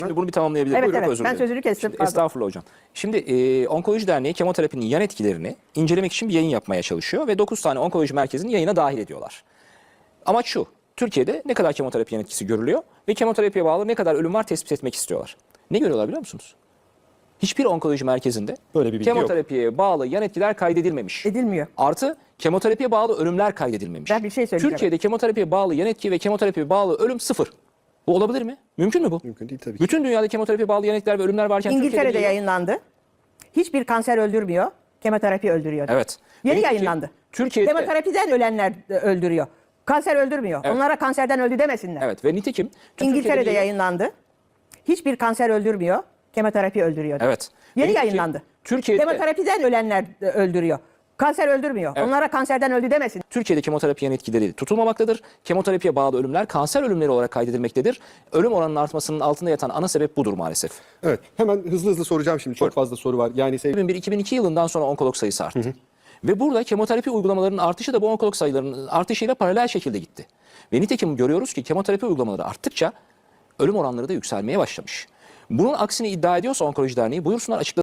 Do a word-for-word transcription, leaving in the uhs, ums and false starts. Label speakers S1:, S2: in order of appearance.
S1: Şimdi bunu bir tamamlayabilirim.
S2: Evet,
S1: Buyurun,
S2: evet.
S1: özür
S2: Ben
S1: dilerim.
S2: sözünü kestim,
S1: Şimdi,
S2: pardon.
S1: estağfurullah hocam. Şimdi e, Onkoloji Derneği kemoterapinin yan etkilerini incelemek için bir yayın yapmaya çalışıyor ve dokuz tane onkoloji merkezini yayına dahil ediyorlar. Amaç şu: Türkiye'de ne kadar kemoterapi yan etkisi görülüyor ve kemoterapiye bağlı ne kadar ölüm var tespit etmek istiyorlar. Ne görüyorlar biliyor musunuz? Hiçbir onkoloji merkezinde
S3: Böyle bir bilgi
S1: kemoterapiye yok. bağlı yan etkiler kaydedilmemiş.
S2: Edilmiyor.
S1: Artı kemoterapiye bağlı ölümler kaydedilmemiş.
S2: Ben bir şey söyleyeceğim.
S1: Türkiye'de kemoterapiye bağlı yan etki ve kemoterapiye bağlı ölüm sıfır. Bu olabilir mi? Mümkün mü bu?
S3: Mümkün değil tabii ki.
S1: Bütün dünyada kemoterapiye bağlı yan etkiler ve ölümler varken Türkiye'de
S2: İngiltere'de
S1: değil.
S2: yayınlandı. Hiçbir kanser öldürmüyor. Kemoterapi öldürüyor.
S1: Evet.
S2: Yeni
S1: Peki,
S2: yayınlandı.
S1: Türkiye'de
S2: Kemoterapiden ölenler de öldürüyor. Kanser öldürmüyor.
S1: Evet.
S2: Onlara kanserden öldü demesinler.
S1: Evet ve nitekim tüm
S2: İngiltere'de
S1: Türkiye'de değil.
S2: yayınlandı. Hiçbir kanser öldürmüyor. Kemoterapi öldürüyor.
S1: Evet.
S2: Yeni
S1: Nitekim
S2: yayınlandı.
S1: Türkiye'de
S2: Kemoterapiden ölenler de öldürüyor. Kanser öldürmüyor.
S1: Evet.
S2: Onlara kanserden öldü demesin.
S1: Türkiye'de kemoterapi yan etkileri tutulmamaktadır. Kemoterapiye bağlı ölümler kanser ölümleri olarak kaydedilmektedir. Ölüm oranının artmasının altında yatan ana sebep budur maalesef.
S3: Evet. Hemen hızlı hızlı soracağım şimdi. Çok fazla soru var. Yani sev-
S1: iki bin bir iki bin iki yılından sonra onkolog sayısı arttı. Ve burada kemoterapi uygulamalarının artışı da bu onkolog sayılarının artışıyla paralel şekilde gitti. Ve nitekim görüyoruz ki kemoterapi uygulamaları arttıkça ölüm oranları da yükselmeye başlamış. Bunun aksini iddia ediyorsa Onkoloji Derneği buyursunlar açıklasın.